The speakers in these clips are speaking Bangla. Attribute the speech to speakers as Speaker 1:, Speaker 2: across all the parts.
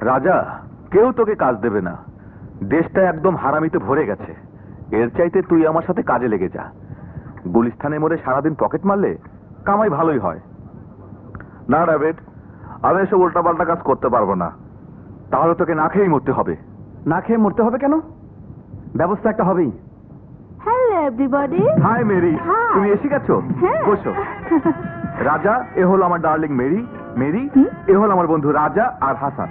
Speaker 1: রাজা, কেউ তোকে কাজ দেবে না। দেশটা একদম হারামিতে ভরে গেছে। এর চাইতে তুই আমার সাথে কাজে লেগে যা। গুলিস্তানে মোড়ে সারাদিন পকেট মারলে কামাই ভালোই হয়।
Speaker 2: না ডেভিড, আমি এসব উল্টাপাল্টা কাজ করতে পারবো না।
Speaker 1: তাহলে তোকে না খেয়েই মরতে হবে।
Speaker 3: না খেয়ে মরতে হবে কেন? ব্যবস্থা একটা হবেই।
Speaker 4: Hello everybody.
Speaker 1: Hi Mary,
Speaker 4: Hi.
Speaker 1: তুমি এসে গেছো?
Speaker 4: হ্যাঁ।
Speaker 1: বসো। রাজা, এ হলো আমার ডার্লিং মেরি। মেরি, এ হলো আমার বন্ধু রাজা আর হাসান।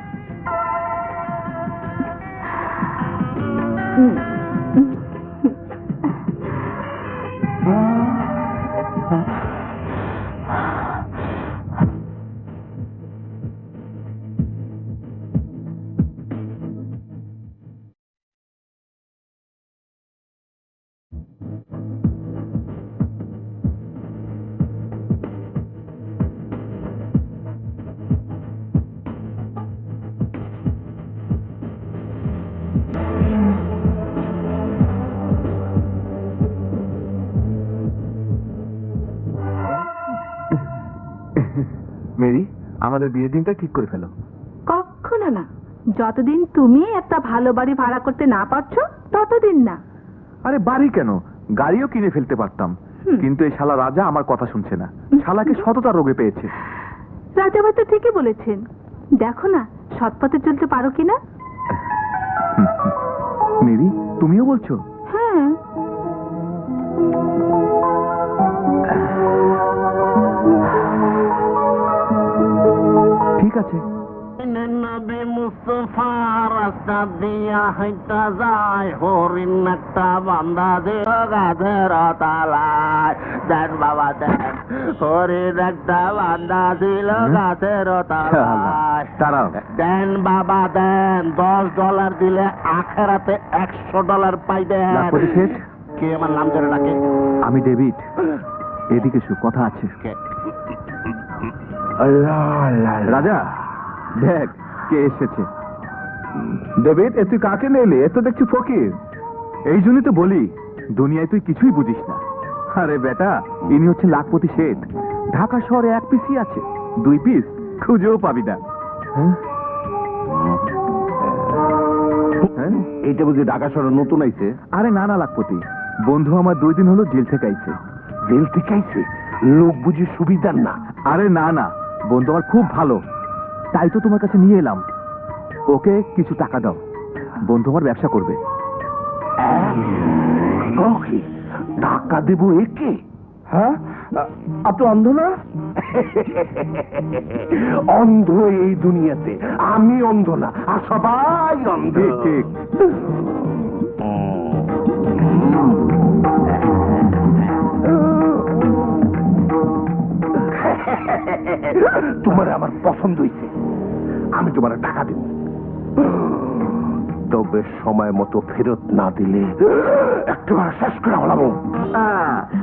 Speaker 1: মেরি, আমাদের বিয়ের দিনটা ঠিক করে ফেলো।
Speaker 4: কখনো না। যতদিন তুমি একটা ভালো বাড়ি ভাড়া করতে না পারছো ততদিন না।
Speaker 1: আরে বাড়ি কেন, গাড়িও কিনে ফেলতে পারতাম। কিন্তু এই শালা রাজা আমার কথা শুনছে না। শালাকে সততা রোগে পেয়েছে।
Speaker 4: রাজাভাই তো ঠিকই বলেছেন। দেখো না সৎপথে চলতে পারো কিনা।
Speaker 1: মেরি, তুমিও বলছো?
Speaker 4: হ্যাঁ।
Speaker 1: ঠিক আছে।
Speaker 5: নবী মুস্তফা রাস্তা দিয়া হাইটা যায়, হরিণ একটা বান্ধা দিল গাছের তলায়। দেন বাবা দেন, হরিণ একটা বান্ধা দিল গাছের তলায়।
Speaker 1: দাঁড়াও।
Speaker 5: দেন বাবা দেন, $10 দিলে আখেরাতে $100 পাইবেন।
Speaker 1: লাখপতি শেঠ,
Speaker 5: কে আমার নাম ধরে ডাকে?
Speaker 1: আমি ডেভিড। এদিকে শু, কথা আছে। রাজা, দেখ কে এসেছে।
Speaker 2: ডেভিড, এ তুই কাকে নিলি? এ তো দেখছি ফকির।
Speaker 1: এই জন্যই তো বলি, দুনিয়ায় তুই কিছুই বুঝিস না। আরে বেটা, ইনি হচ্ছে লাখপতি শেঠ। ঢাকা শহরে 1 পিসই আছে, 2 পিস খুঁজেও পাবি না। হ্যাঁ?
Speaker 2: এইটা বুঝি ঢাকা শহরে নতুন আইছে?
Speaker 1: আরে না না লাখপতি, বন্ধু আমার 2 দিন হলো জেল থেকে আইছে।
Speaker 2: জেল থেকে আইছে? লোক বুঝি সুবিধার না?
Speaker 1: আরে না না, বন্ধু আমার খুব ভালো, তাই তো তোমার কাছে নিয়ে এলাম। ওকে কিছু টাকা দাও, বন্ধু আমার ব্যবসা করবে।
Speaker 2: ওকে, টাকা দেবো একে? হ্যাঁ, আপনি অন্ধ না? অন্ধ এই দুনিয়াতে, আমি অন্ধ না, আর সবাই অন্ধ।
Speaker 1: ঠিক ঠিক।
Speaker 2: তোমার আমার পছন্দ হয়েছে, আমি তোমার টাকা দেব। তবে সময় মতো ফেরত না দিলে একেবারে শেষ করে হলাম।